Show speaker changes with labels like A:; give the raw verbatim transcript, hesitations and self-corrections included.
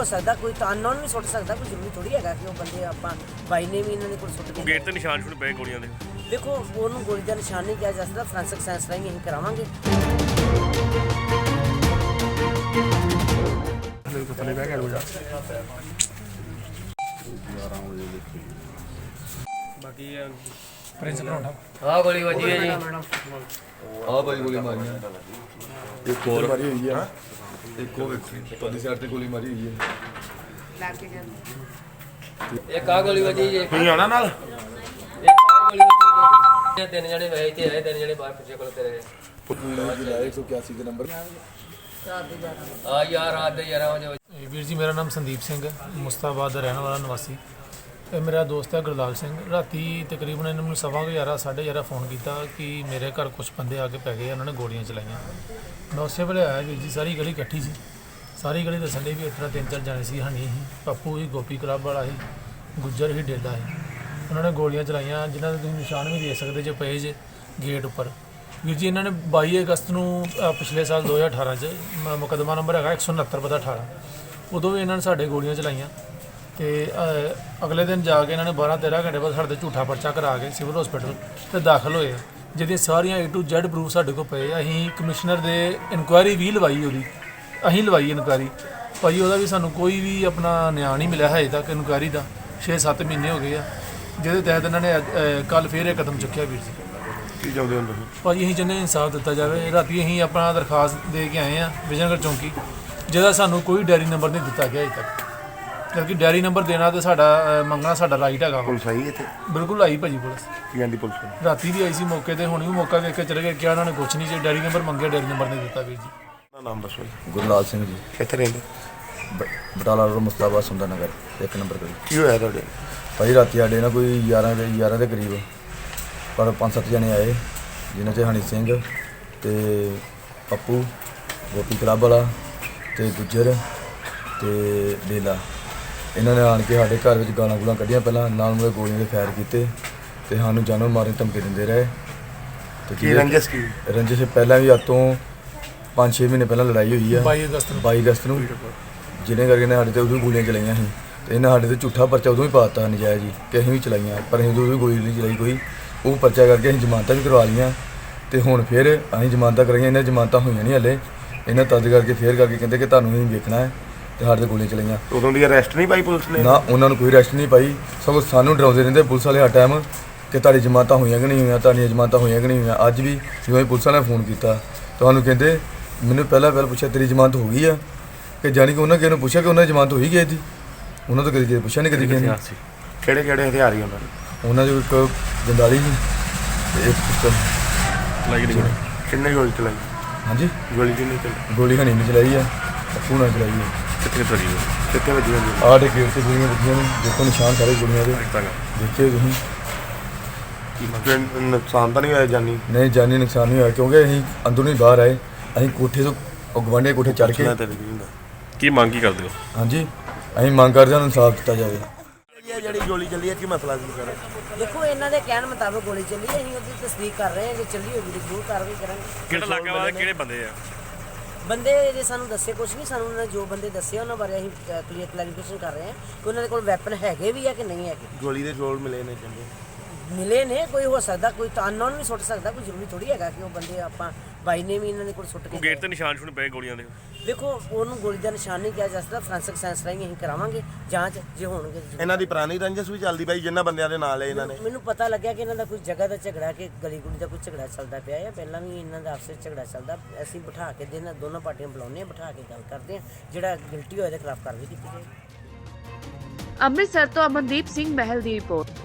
A: ਸਕਦਾ, ਕੋਈ ਤਾਂ ਅਨਨੋਨ ਵੀ ਸੁੱਟ ਸਕਦਾ, ਕੋਈ ਜ਼ਰੂਰੀ ਥੋੜੀ ਹੈਗਾ ਕਿ ਉਹ ਬੰਦੇ ਆਪਾਂ ਬਾਈ ਨੇ ਵੀ ਇਹਨਾਂ ਦੇ ਕੋਲ ਸੁੱਟ ਕੇ
B: ਗੇਟ ਤੇ ਨਿਸ਼ਾਨ ਛੁਣ ਪਏ ਗੋਲੀਆਂ ਦੇ।
A: ਦੇਖੋ ਉਹਨੂੰ ਗੋਲੀ ਦਾ ਨਿਸ਼ਾਨ ਨਹੀਂ ਕਿਹਾ ਜਾ ਸਕਦਾ, ਫੋਰੈਂਸਿਕ ਸਾਇੰਸ ਰਾਹੀਂ ਅਸੀਂ ਕਰਾਵਾਂਗੇ।
B: ਬਾਕੀ
C: ਪ੍ਰਿੰਸ ਪਰੌਂਠਾ
D: ਆਹ ਗੋਲੀ ਵੱਜੀ ਹੈ ਜੀ।
E: ਆਹ ਭਾਈ ਗੋਲੀ ਮਾਰੀ ਆ, ਇੱਕ ਹੋਰ ਮਾਰੀ ਹੋਈ ਆ, ਇੱਕ ਉਹ ਪੱਲੀ ਸਾਈਡ ਤੇ ਗੋਲੀ ਮਾਰੀ ਹੋਈ ਹੈ।
D: ਇੱਕ ਆਹ ਗੋਲੀ ਵੱਜੀ ਜੀ।
B: ਤੁਸੀਂ ਆਉਣਾ ਨਾਲ?
D: ਇੱਕ ਆਹ ਗੋਲੀ ਵੱਜੀ ਜੀ। ਤਿੰਨ ਜਣੇ ਵਏ ਇੱਥੇ ਆਏ, ਤਿੰਨ ਜਣੇ ਬਾਹਰ ਪਿੱਛੇ ਕੋਲ ਤੇਰੇ
E: ਇੱਕ ਸੌ ਇਕਿਆਸੀ ਦੇ ਨੰਬਰ
D: ਆ ਯਾਰ ਰਾਤ ਦੇ ਗਿਆਰਾਂ ਵਜੇ।
C: ਵੀਰ ਜੀ ਮੇਰਾ ਨਾਮ ਸੰਦੀਪ ਸਿੰਘ ਹੈ, ਮੁਸਤਾਬਾਦ ਦਾ ਰਹਿਣ ਵਾਲਾ ਨਿਵਾਸੀ। ਇਹ ਮੇਰਾ ਦੋਸਤ ਹੈ ਗੁਰਲਾਲ ਸਿੰਘ। ਰਾਤੀ ਤਕਰੀਬਨ ਇਹਨਾਂ ਨੂੰ ਸਵਾ ਕੁ ਗਿਆਰਾਂ ਸਾਢੇ ਗਿਆਰਾਂ ਫੋਨ ਕੀਤਾ ਕਿ ਮੇਰੇ ਘਰ ਕੁਝ ਬੰਦੇ ਆ ਕੇ ਪੈ ਗਏ, ਉਹਨਾਂ ਨੇ ਗੋਲੀਆਂ ਚਲਾਈਆਂ। ਮੈਂ ਉਸੇ ਵੇਲੇ ਆਇਆ ਵੀਰ ਜੀ, ਸਾਰੀ ਗਲੀ ਇਕੱਠੀ ਸੀ। ਸਾਰੀ ਗਲੀ ਦੱਸਣ ਡਈ ਵੀ ਇਸ ਤਰ੍ਹਾਂ ਤਿੰਨ ਚਾਰ ਜਾਣੇ ਸੀ, ਹਨੀ ਸੀ, ਪੱਪੂ ਸੀ, ਗੋਪੀ ਕਲੱਬ ਵਾਲਾ ਸੀ, ਗੁੱਜਰ ਸੀ, ਡੇਲਾ ਸੀ। ਉਹਨਾਂ ਨੇ ਗੋਲੀਆਂ ਚਲਾਈਆਂ, ਜਿਨ੍ਹਾਂ ਦੇ ਤੁਸੀਂ ਨਿਸ਼ਾਨ ਵੀ ਦੇ ਸਕਦੇ ਜੇ ਪਏ ਜੇ ਗੇਟ ਉੱਪਰ। ਵੀਰ ਜੀ ਇਹਨਾਂ ਨੇ ਬਾਈ ਅਗਸਤ ਨੂੰ ਅ, ਪਿਛਲੇ ਸਾਲ ਦੋ ਹਜ਼ਾਰ ਅਠਾਰਾਂ 'ਚ ਮ- ਮੁਕੱਦਮਾ ਨੰਬਰ ਹੈਗਾ ਇੱਕ ਸੌ ਉਣਹੱਤਰ ਬਟਾ ਅਠਾਰਾਂ, ਉਦੋਂ ਵੀ ਇਹਨਾਂ ਨੇ ਸਾਡੇ ਗੋਲੀਆਂ ਚਲਾਈਆਂ। ਅਤੇ ਅਗਲੇ ਦਿਨ ਜਾ ਕੇ ਇਹਨਾਂ ਨੇ ਬਾਰਾਂ ਤੇਰਾਂ ਘੰਟੇ ਬਾਅਦ ਸਾਡੇ 'ਤੇ ਝੂਠਾ ਪਰਚਾ ਕਰਾ ਕੇ ਸਿਵਲ ਹਸਪੀਟਲ ਤੇ ਦਾਖਲ ਹੋਏ, ਜਿਹਦੀਆਂ ਸਾਰੀਆਂ ਏ ਟੂ ਜ਼ੈਡ ਪ੍ਰੂਫ ਸਾਡੇ ਕੋਲ ਪਏ। ਅਸੀਂ ਕਮਿਸ਼ਨਰ ਦੇ ਇਨਕੁਆਇਰੀ ਵੀ ਲਵਾਈ, ਉਹਦੀ ਅਸੀਂ ਲਵਾਈ ਇਨਕੁਆਇਰੀ ਭਾਈ, ਉਹਦਾ ਵੀ ਸਾਨੂੰ ਕੋਈ ਵੀ ਆਪਣਾ ਨਿਆਂ ਨਹੀਂ ਮਿਲਿਆ ਹਜੇ ਤੱਕ। ਇਨਕੁਆਇਰੀ ਦਾ ਛੇ ਸੱਤ ਮਹੀਨੇ ਹੋ ਗਏ ਆ, ਜਿਹਦੇ ਤਹਿਤ ਇਹਨਾਂ ਨੇ ਕੱਲ੍ਹ ਫੇਰ ਇਹ ਕਦਮ ਚੁੱਕਿਆ ਵੀਰ ਜੀ।
B: ਕੀ ਚਾਹੁੰਦੇ ਹੋ ਤੁਸੀਂ?
C: ਭਾਜੀ ਅਸੀਂ ਚਾਹੁੰਦੇ ਇਨਸਾਫ ਦਿੱਤਾ ਜਾਵੇ। ਰਾਤੀ ਅਸੀਂ ਆਪਣਾ ਦਰਖਾਸਤ ਦੇ ਕੇ ਆਏ ਹਾਂ ਵਿਜਨਗੜ੍ਹ ਚੌਂਕੀ, ਜਿਹਦਾ ਸਾਨੂੰ ਕੋਈ ਡੈਰੀ ਨੰਬਰ ਨਹੀਂ ਦਿੱਤਾ ਗਿਆ ਅਜੇ ਤੱਕ, ਕਿਉਂਕਿ ਡੈਰੀ ਨੰਬਰ ਦੇਣਾ ਤੇ ਸਾਡਾ ਅ, ਮੰਗਣਾ ਸਾਡਾ ਰਾਈਟ ਹੈਗਾ।
B: ਪੁਲਿਸ ਆਈ ਇੱਥੇ?
C: ਬਿਲਕੁਲ ਆਈ ਭਾਜੀ ਪੁਲਿਸ,
B: ਕੀ ਕਹਿੰਦੀ ਪੁਲਿਸ?
C: ਰਾਤੀ ਵੀ ਆਈ ਸੀ ਮੌਕੇ ਤੇ, ਹੁਣ ਵੀ ਮੌਕਾ ਵੇਖ ਕੇ ਚਲੇ ਗਏ। ਕਿਹਾ ਉਹਨਾਂ ਨੇ ਕੁਛ ਨਹੀਂ, ਜੇ ਡੈਰੀ ਨੰਬਰ ਮੰਗਿਆ ਡੈਰੀ ਨੰਬਰ ਨਹੀਂ ਦਿੱਤਾ ਵੀਰ ਜੀ।
B: ਆਪਣਾ ਨਾਮ ਦੱਸੋ ਜੀ।
E: ਗੁਰਲਾਲ ਸਿੰਘ ਜੀ,
B: ਕਿੱਥੇ ਰਹਿੰਦੇ?
E: ਬ- ਬਟਾਲਾ ਰੋਡ ਮੁਸਤਾਬਾਦ ਸੁੰਦਰ ਨਗਰ ਇੱਕ ਨੰਬਰ ਗਲੀ।
B: ਕੀ ਹੋਇਆ ਤੁਹਾਡੇ?
E: ਭਾਈ ਰਾਤੀ ਸਾਡੇ ਨਾ ਕੋਈ ਗਿਆਰਾਂ ਦੇ ਗਿਆਰਾਂ ਦੇ ਕਰੀਬ ਪਰ ਪੰਜ ਸੱਤ ਜਣੇ ਆਏ, ਜਿਨ੍ਹਾਂ 'ਚ ਹਨੀ ਸਿੰਘ ਤੇ ਪੱਪੂ, ਗੋਪੀ ਕਲੱਬ ਵਾਲਾ ਤੇ ਗੁੱਜਰ ਤੇ ਡੇਲਾ। ਇਹਨਾਂ ਨੇ ਆਣ ਕੇ ਸਾਡੇ ਘਰ ਵਿੱਚ ਗਾਲਾਂ ਗੂਲਾਂ ਕੱਢੀਆਂ, ਪਹਿਲਾਂ ਨਾਲ ਮੁੜੇ ਗੋਲੀਆਂ ਦੇ ਫਾਇਰ ਕੀਤੇ ਤੇ ਸਾਨੂੰ ਜਾਨੋਂ ਮਾਰਨ ਦੀ ਧਮਕੀ ਦਿੰਦੇ ਰਹੇ। ਤੇ
B: ਕੀ ਰੰਜਿਸ਼ ਕੀ?
E: ਰੰਜਿਸ਼ ਪਹਿਲਾਂ ਵੀ ਅੱਜ ਤੋਂ ਪੰਜ ਛੇ ਮਹੀਨੇ ਪਹਿਲਾਂ ਲੜਾਈ ਹੋਈ ਆ
C: ਬਾਈ ਅਗਸਤ ਨੂੰ
E: ਬਾਈ ਅਗਸਤ ਨੂੰ, ਜਿਹਨੇ ਕਰਕੇ ਨੇ ਸਾਡੇ ਤੇ ਉਦੋਂ ਗੋਲੀਆਂ ਚਲਾਈਆਂ ਸੀ। ਤੇ ਇਹਨਾਂ ਸਾਡੇ ਤੇ ਝੂਠਾ ਪਰਚਾ ਉਦੋਂ ਹੀ ਪਾ ਦਿੱਤਾ ਨਜਾਇਜ਼ ਜੀ ਕਿ ਅਸੀਂ ਵੀ ਚਲਾਈਆਂ, ਪਰ ਅਸੀਂ ਉਦੋਂ ਵੀ ਗੋਲੀ ਨਹੀਂ ਚਲਾਈ ਕੋਈ। ਉਹ ਪਰਚਾ ਕਰਕੇ ਅਸੀਂ ਜ਼ਮਾਨਤਾਂ ਵੀ ਕਰਵਾ ਲਈਆਂ ਤੇ ਹੁਣ ਫਿਰ ਅਸੀਂ ਜ਼ਮਾਨਤਾਂ ਕਰਾਈਆਂ, ਇਹਨਾਂ ਜ਼ਮਾਨਤਾਂ ਹੋਈਆਂ ਨਹੀਂ ਹਲੇ। ਇਹਨਾਂ ਤਦ ਕਰਕੇ ਫੇਰ ਕਰਕੇ ਕਹਿੰਦੇ ਕਿ ਤੁਹਾਨੂੰ ਅਸੀਂ ਵੇਖਣਾ ਹੈ ਤੇ ਸਾਡੇ ਤੇ ਗੋਲੀਆਂ ਚਲਾਈਆਂ।
B: ਉਦੋਂ ਦੀ ਅਰੈਸਟ ਨਹੀਂ ਪਾਈ ਪੁਲਿਸ ਨੇ?
E: ਨਾ, ਉਹਨਾਂ ਨੂੰ ਕੋਈ ਅਰੈਸਟ ਨਹੀਂ ਪਾਈ, ਸਗੋਂ ਸਾਨੂੰ ਡਰਾਉਂਦੇ ਰਹਿੰਦੇ ਪੁਲਿਸ ਵਾਲੇ ਹਰ ਟਾਈਮ ਕਿ ਤੁਹਾਡੀ ਜ਼ਮਾਨਤਾਂ ਹੋਈਆਂ ਕਿ ਨਹੀਂ ਹੋਈਆਂ, ਤੁਹਾਡੀਆਂ ਜ਼ਮਾਨਤਾਂ ਹੋਈਆਂ ਕਿ ਨਹੀਂ ਹੋਈਆਂ। ਅੱਜ ਵੀ ਜਿਵੇਂ ਪੁਲਿਸ ਵਾਲਿਆਂ ਨੇ ਫੋਨ ਕੀਤਾ ਤੁਹਾਨੂੰ ਕਹਿੰਦੇ, ਮੈਨੂੰ ਪਹਿਲਾਂ ਪਹਿਲਾਂ ਪੁੱਛਿਆ ਤੇਰੀ ਜ਼ਮਾਨਤ ਹੋ ਗਈ ਆ, ਕਿ ਜਾਣੀ ਕਿ ਉਹਨਾਂ ਕਿਸੇ ਨੂੰ ਪੁੱਛਿਆ ਕਿ ਉਹਨਾਂ ਦੀ ਜ਼ਮਾਨਤ ਹੋਈ ਗਈ ਸੀ। ਉਹਨਾਂ ਤੋਂ ਕਦੀ ਪੁੱਛਿਆ ਨਹੀਂ ਕਦੀ ਕਿਸੇ ਨੇ।
B: ਕਿਹੜੇ ਕਿਹੜੇ ਹਥਿਆਰ ਹੀ ਉਹਨਾਂ ਦੇ?
E: ਉਹਨਾਂ ਦੇ ਇੱਕ ਜੰਦਾਲੀ ਸੀ ਤੇ ਇੱਕ ਪਿਸਤਲ।
B: ਚਲਾਈ ਗਈ? ਕਿੰਨੇ ਗੋਲੀ ਚਲਾਈ?
E: ਹਾਂਜੀ,
B: ਗੋਲੀ ਕਿੰਨੀ ਚਲਾਈ?
E: ਗੋਲੀ ਹਨੀ ਨੇ ਚਲਾਈ ਆ, ਪੱਪੂ ਨਾਲ ਚਲਾਈ ਆ।
B: ਕਿੱਥੇ ਚਲਾਈ? ਕਿੱਥੇ ਵੱਜੀ ਹੋਈ?
E: ਆਹ ਦੇ ਗੇਟ ਤੇ ਗੋਲੀਆਂ ਵੱਜੀਆਂ ਨੇ, ਦੇਖੋ ਨਿਸ਼ਾਨ ਸਾਰੇ ਗੋਲੀਆਂ ਦੇ, ਦੇਖਿਓ ਤੁਸੀਂ।
B: ਕੋਈ ਨੁਕਸਾਨ ਤਾਂ ਨਹੀਂ ਹੋਇਆ ਜਾਨੀ?
E: ਨਹੀਂ, ਜਾਨੀ ਨੁਕਸਾਨ ਨਹੀਂ ਹੋਇਆ ਕਿਉਂਕਿ ਅਸੀਂ ਅੰਦਰੋਂ ਹੀ ਬਾਹਰ ਆਏ। ਅਸੀਂ ਕੋਠੇ ਤੋਂ ਉਹ ਗਵਾਂਢੀ ਕੋਠੇ ਚੜ੍ਹ ਕੇ।
B: ਕੀ ਮੰਗ ਕੀ ਕਰਦੇ ਹੋ?
E: ਹਾਂਜੀ, ਅਸੀਂ ਮੰਗ ਕਰਦੇ ਹਾਂ ਇਨਸਾਫ ਦਿੱਤਾ ਜਾਵੇ।
B: ਜਿਹੜੀ ਗੋਲੀ ਚੱਲੀ ਹੈ ਕੀ ਮਸਲਾ ਸੀ ਸਰ?
A: ਦੇਖੋ ਇਹਨਾਂ ਦੇ ਕਹਿਣ ਮੁਤਾਬਕ ਗੋਲੀ ਚੱਲੀ ਹੈ, ਅਸੀਂ ਉਹਦੀ ਤਸਦੀਕ ਕਰ ਰਹੇ ਹਾਂ, ਜੇ ਚੱਲੀ ਹੋਈ ਤਾਂ ਜ਼ਰੂਰ ਕਾਰਵਾਈ ਕਰਾਂਗੇ।
B: ਕਿਹੜਾ ਇਲਾਕਾ ਵਾਲੇ ਕਿਹੜੇ ਬੰਦੇ ਆ?
A: ਬੰਦੇ ਜੇ ਸਾਨੂੰ ਦੱਸੇ ਕੁਛ ਨਹੀਂ, ਸਾਨੂੰ ਉਹਨਾਂ ਨੇ ਜੋ ਬੰਦੇ ਦੱਸੇ ਉਹਨਾਂ ਬਾਰੇ ਅਸੀਂ ਕਲੀਅਰ ਕਲੈਰੀਫਿਕੇਸ਼ਨ ਕਰ ਰਹੇ ਹਾਂ ਕਿ ਉਹਨਾਂ ਦੇ ਕੋਲ ਵੈਪਨ ਹੈਗੇ ਵੀ ਆ ਕਿ ਨਹੀਂ ਹੈਗੇ।
B: ਗੋਲੀ ਦੇ ਜੋੜ ਮਿਲੇ ਨੇ ਕਹਿੰਦੇ?
A: ਮਿਲੇ ਨੇ, ਕੋਈ ਹੋ ਸਕਦਾ, ਕੋਈ ਤਾਂ ਅਨਨੋਨ ਵੀ ਸੁੱਟ ਸਕਦਾ, ਕੋਈ ਜ਼ਰੂਰੀ ਥੋੜੀ ਹੈਗਾ ਕਿ ਉਹ ਬੰਦੇ ਆਪਾਂ ਬਾਈ ਨੇ ਵੀ ਇਹਨਾਂ ਦੇ ਕੋਲ ਸੁੱਟ ਕੇ
B: ਗੇਟ ਤੇ ਨਿਸ਼ਾਨ ਛੁਣ ਪਏ ਗੋਲੀਆਂ ਦੇ।
A: ਦੇਖੋ ਉਹਨੂੰ ਗੋਲੀ ਦਾ ਨਿਸ਼ਾਨ ਨਹੀਂ ਕਿਹਾ ਜਾ ਸਕਦਾ, ਫੋਰੈਂਸਿਕ ਸਾਇੰਸ ਰਾਹੀਂ ਅਸੀਂ ਕਰਾਵਾਂਗੇ ਜਾਂਚ, ਜੇ ਹੋਣਗੇ ਤਾਂ।
B: ਇਹਨਾਂ ਦੀ ਪੁਰਾਣੀ ਰੰਜਿਸ਼ ਵੀ ਚੱਲਦੀ ਪਈ ਜਿੰਨਾ ਬੰਦਿਆਂ ਦੇ ਨਾਲ ਹੈ ਇਹਨਾਂ ਨੇ?
A: ਮੈਨੂੰ ਪਤਾ ਲੱਗਿਆ ਕਿ ਇਹਨਾਂ ਦਾ ਕੋਈ ਜਗ੍ਹਾ ਦਾ ਝਗੜਾ, ਕਿ ਗਲੀ ਗੁਲੀ ਦਾ ਕੋਈ ਝਗੜਾ ਚੱਲਦਾ ਪਿਆ ਹੈ। ਪਹਿਲਾਂ ਵੀ ਇਹਨਾਂ ਦਾ ਆਪਸ ਵਿੱਚ ਝਗੜਾ ਚੱਲਦਾ। ਅਸੀਂ ਬਿਠਾ ਕੇ ਦੇ ਦੋਨੋਂ ਪਾਰਟੀਆਂ ਬੁਲਾਉਂਦੇ ਹਾਂ, ਬਿਠਾ ਕੇ ਗੱਲ ਕਰਦੇ ਹਾਂ, ਜਿਹੜਾ ਗਿਲਟੀ ਹੋਇਆ ਉਹਦੇ ਖਿਲਾਫ ਕਾਰਵਾਈ ਕੀਤੀ ਜਾਏ।
F: ਅੰਮ੍ਰਿਤਸਰ ਤੋਂ ਅਮਨਦੀਪ ਸਿੰਘ ਮਹਿਲ ਦੀ ਰਿਪੋਰਟ।